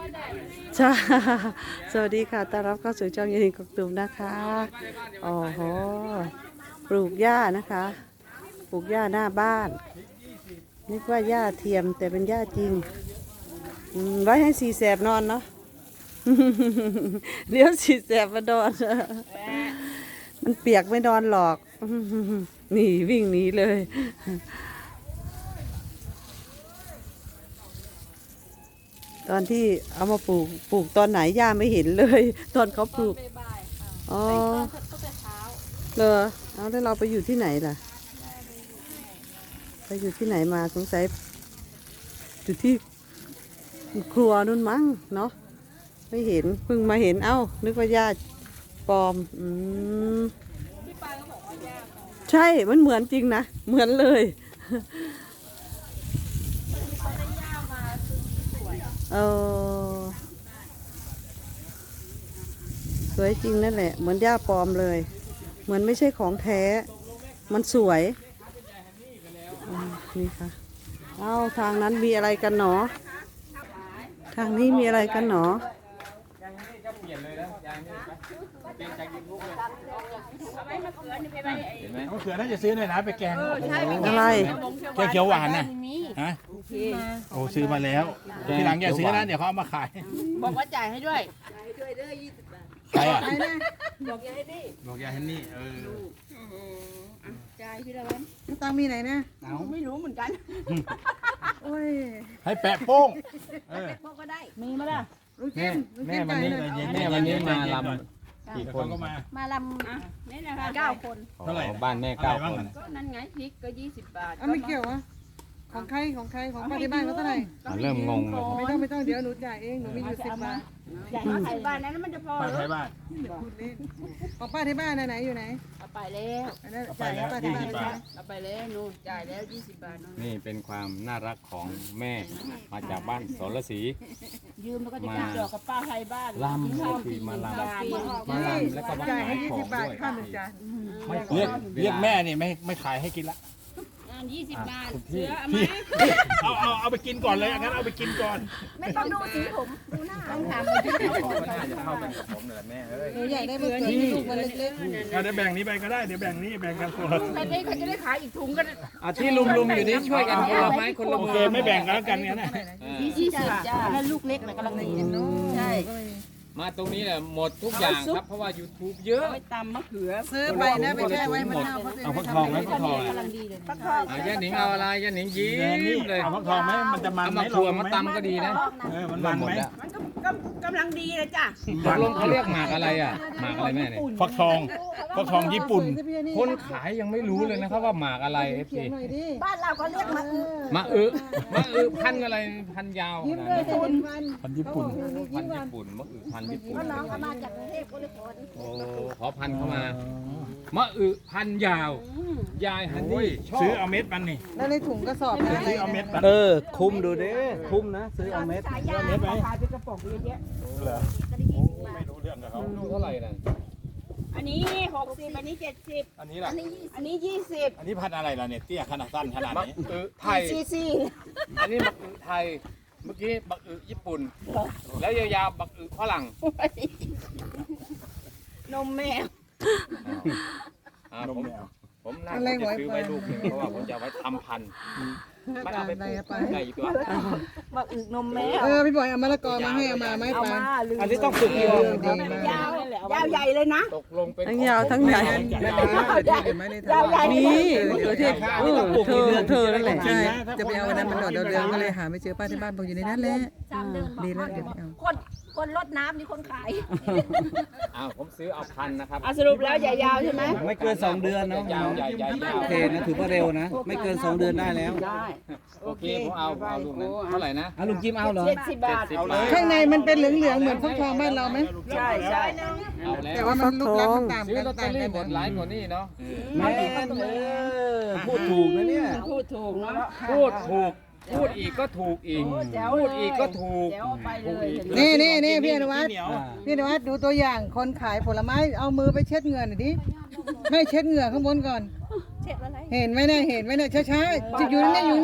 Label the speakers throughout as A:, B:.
A: ใช่สวัสดีค่ะต้อนรับเข้าสู่ช่องยินดีกบตุมนะคะอ๋อโหปลูกหญ้านะคะปลูกหญ้าหน้าบ้านนึกว่าหญ้าเทียมแต่เป็นหญ้าจริงไว้ให้สีแสบนอนเนาะ เดี๋ยวสีแสบมานอน มันเปียกไม่นอนหรอก หนีวิ่งหนีเลย ตอนที่เอามาปลูกตอนไหนย่าไม่เห็นเลย ตอนเขาปลูกอ๋อเหรอเอาแล้วเราไปอยู่ที่ไหนล่ะไปอยู่ที่ไหนมาสงสัยอยู่ที่ครัวนู่นมั้งเนาะไม่เห็นเพิ่งมาเห็นเอ้านึกว่าย่าปลอมใช่มันเหมือนจริงนะเหมือนเลยเออสวยจริงนั่นแหละเหมือนหญ้าปลอมเลยเหมือนไม่ใช่ของแท้มันสวยนี่ค่ะเอาทางนั้นมีอะไรกันหนอทางนี้มีอะไรกันหนอ
B: มะเขือน่าจะซื้อหน่อยนะไปแกง
A: อะไร
B: แกงเขียวหวานนะฮะโอ้ซื้อมาแล้วทีหลังอย่าซื้อนะเดี๋ยวเขาเอามาขาย
C: บอกว่าจ่ายให้ด้วย
B: ใครอ่ะ
C: บอกยายให้ดิ
B: บอกยายฮันนี่
C: จ่ายพี่ละวัน
A: ตังมีไหนนะ
C: ไม่รู้เหมือนกัน
A: โอ้ย
B: ให้แปะโป้ง
C: พวกก็ได้ มีมาละ
D: แม่วันนี้มาลำกี่คน
B: ก็มา
C: มาลำนี่นะคะ9 คน
B: เท่าไหร่
D: บ้านแม่9 คน
C: ก็นั่นไงพริกก็20 บาท
A: ไม่เกี่ยววะของใครของป้าที่บ้านเขาเท่าไหร่
D: เริ่มงงเลย
A: ไม่ต้องเดี๋ยวหนูจ่ายเองหนูมีอยู่10 บาท
C: จ่าย50 บาทนั้นมันจะพอ
B: ป้า
C: หรื
B: ไท
C: อย
B: บ้าน
A: พูดเล่นของป้าที่บ้านไหนอยู่ไหน
C: เอาไปแล้ว
A: จ่ายให้ป้าที่บ้าน
B: 20 บาท
C: เอาไปแล้วนู่นจ่ายแล้ว20 บาทนู่น
D: นี่เป็นความน่ารักของแม่มาจากบ้านสรศรี
C: ยืมแล้วก็จะกินดอกกับป้าไทยบ้าน
D: ลำก็คือมาลำมาลำแล้วก็มา
A: จ่ายให้
D: ขายของ
A: 20 บาท
D: ด้วย
A: ค่าหนึ่งจาน
B: เรียกแม่นี่ไม่ขายให้กินละ
C: งาน20 บาทเสือเอาไหม
B: เอาไปกินก่อนเลยงั้นเอาไปกินก่อน
C: ไม่ต้องดูสีผมดูหน้าต้องถามไปที่ไหน
D: น่าจะเข้ากันกับผมเลยแม่เอ้ย
A: หนูอยากได้เบอร์เกอร์ลูกมันเล็ก
B: เดี๋ยวแบ่งนี้ไปก็ได้เดี๋ยวแบ่งนี้แบ่งกันคนละ
C: แบบนี้เขาจะได้ขายอีกถุงกัน
D: ที่ลุมอยู่นี่ช่วยกันคนละไม้คนละ
B: โอ
D: มื
B: เคไม่แบ่งกันแล้วกันเนี่ยนะ
C: 20 จ้าแล้วลูกเล็กนะกำลังดีใช่
D: มาตรงนี้แหละหมดทุกอย่างครับเพราะว่า YouTube เยอะ
C: ไม่ตำมะเขือ
A: ๆซื้อไปนะไปแช่ไว้มันเน่า
B: เอาฟักทองไหมฟักทอง
C: กำลังดีเลย
D: ย่าหนิงเอาอะไรย่าหนิงยิ้
B: นี่
D: มเลย
B: เอาฟักทองไหมมันจะมัน
D: เอา
B: ไหม
D: มาถั่วมาตำก็ดีนะ
B: มันมันไหม
C: มันก็กำลังดีเลยจ้ะ
D: ตกลงเขาเรียกหมากอะไรอ่ะหมากอะไรแม่เนี่ย
B: ฟักทองญี่ปุ่น
D: คนขายยังไม่รู้เลยนะครับว่าหมากอะไร FC
A: หน่อยดิ
C: บ้านเราก็เรียกมะอึ
D: มะอึพันธุ์อะไรพันธุ์ยาวขนาดนั้น
B: พันญี่ปุ่น
D: พันธุ์ญี่ปุ่นมะอึพันธุ์ญี่ปุ่น
C: น้องเขามาจากกรุงเทพก็เลยขอ
D: โอ้ขอพันธุ์เข้ามามะอึพันธุ์ยาว ยายฮันนี่ชอบ
B: ซื้อเอาเม็ดมันนี่
A: แล้วในถุงกระสอบนะ
B: ซื้อเอาเม็ดมัน
D: คุมดูดิคุมนะซื้อเอาเม็ด
C: ขายยาขายเป็นกระป๋องเยอะ
B: เหรอไม่รู้เรื่องกับเขา
D: ลูกเท่าไหร่นั่น
C: อันนี้60อันนี้70
B: อันนี้ล่ะ
C: อันนี้20
B: อันนี้พันธุ์อะไรล่ะเนี่ยเตี้ยขนาดสั้นขนาด
D: มะ
B: นี้
D: อึไทย
C: ซี
D: อันนี้มะอึไทย เมื่อกี้มะอึญี่ปุ่น แล้วยาวๆมะอึฝรั่ง
C: นมแมว
B: นมแมว
D: ผมน่าจะซื้อไว้ลูกหนึงเพราะว่าผมจะเอาไว้ทำพันธุ์มันเอาไปปลูกได้อีกตัว
C: มาอึนมแมว
A: พี่บอยเอามะละกอมาให้เอามาไม่
C: เอา
A: ปา
C: มาลืม
D: อันนี้ต้องฝึกกี่วัน
A: ดีมาก
C: ยาวใหญ่เลยนะ
D: ตกลงเป็น
A: ทั้งยาวทั้งใหญ่
C: ยาวใหญ่
A: มีมะเขือเทศเธอนั่นแหละ
B: ใช่
A: จะไปเอาวันนั้นมันดอกเรืองก็เลยหาไม่เจอป้าที่บ้านบอกอยู่ในนั้นแหละ ดีแล้วเดี๋ยวเอา
C: คนรดน้ำนี่คนขาย
D: อ้าวผมซื้อเอาพันธุ์นะครับ
C: สรุปแล้วใหญ่ยาวใช่ไหม
E: ไม่เกิน2 เดือนเนาะ
D: ยาวใหญ่ใหญ่ยาว
E: โอเคนะถือว่าเร็วนะ ไม่เกิน2 เดือนได้แล้ว
C: ได้
D: โอเคผมเอาลูกนั้นเท่าไหร่นะ
E: ลุงจิมเอาเหรอ
C: 70 บาท
D: 70 บาท
A: ข้างในมันเป็นเหลืองๆเหมือนฟักทองบ้านเราไหม
C: ใช่ใช่
D: เอาแล้
A: แต่
D: ว
A: ว่ามันลูกรักมันต่าง
D: ซื้อ
A: กัน
D: ลอตเตอ
A: ต่าง
D: รี่
A: กัน
D: หมดหลายกว่านี้เนาะ
E: แม่พูดถูกนะเนี่ย
C: พูดถูกเนาะ
D: พูดถูกพูดอีกก็ถูกอีกพูดอีกก็ถูก
C: เดี๋ยวเอาไปเลย
A: นี่พี่อนุวัฒน์พี่อนุวัฒน์ดูตัวอย่างคนขายผลไม้เอามือไปเช็ดเหงื่อหน่อยดิให้เช็ดเหงื่อข้างบนก่อน
C: เช็ดอะไร
A: เห็นไหมเนี่ยช้าๆจะอยู่นิ่งอยู่นิ่ง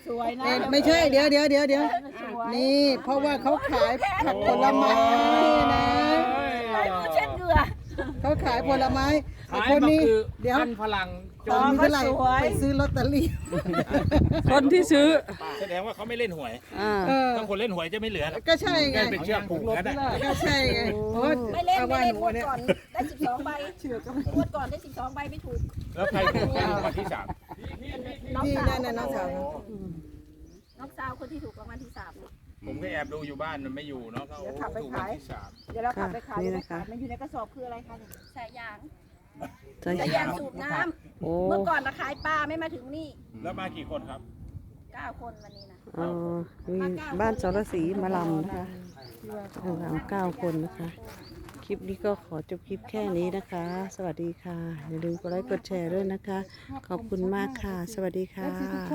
C: สวยนะ
A: ไม่ใช่เดี๋ยวนี่เพราะว่าเขาขายผักผลไม้นะ
C: เช็ดเหงื่อ
A: เขาขายผลไม้
D: ขาย
A: คน
D: บัก
A: นี้
D: อึ
A: เดี๋ยว
D: พันธุ์ฝรั่งจ
A: ตอน
D: น
A: นี้เท่าไหร่ไปซื้อลอตเตอรี่ คนที่ซื้อ
B: แสดงว่าเขาไม่เล่นหวย ถ้าคนเล่นหวยจะไม่เหลือหรอก
A: ก็ใช่ไง
B: แค่เป็นเชือกผูกกันนะ
A: ก็ใช่ไงเพราะว่า
C: ไม่เล่น
A: เอา
C: ไม่
A: ว่า
C: เล่
A: ห
C: น
A: นู
C: งวด
A: เนี่ย
C: ก่อนได้12ใบงวดก่อนได้12ใบไม่ถูก
B: แล้วใครถูกรางวัลที่สาม
C: น้อง
A: ที่
C: สาว
A: นั่นน่ะน้องสาว
C: น้องสาวคนที่ถูกรางวัลที่3
B: ผมก็แอบดูอยู่บ้านมันไม่อยู่เนาะก็โอ้ถูกรางวัลที่สาม
C: เดี๋ยวเราขับไปขาย
A: นี่นะคะ
C: มันอยู่ในกระสอบคืออะไรคะสายยาง
A: ใช่
C: สายยางสูบน้
A: โอ้
C: ำเมื่อก่อนเราขายปลาไม่มาถึงนี่
B: แล้วมากี่คนครับ
C: 9 คนวันนี้นะ
A: มีบ้านสรศรีมาลำนะคะรำ9 คนนะคะ คลิปนี้ก็ขอจบคลิปแค่นี้นะคะ สวัสดีค่ะ อย่าลืมกดไลค์กดแชร์ด้วยนะคะ ขอบคุณมากค่ะ สวัสดีค่ะ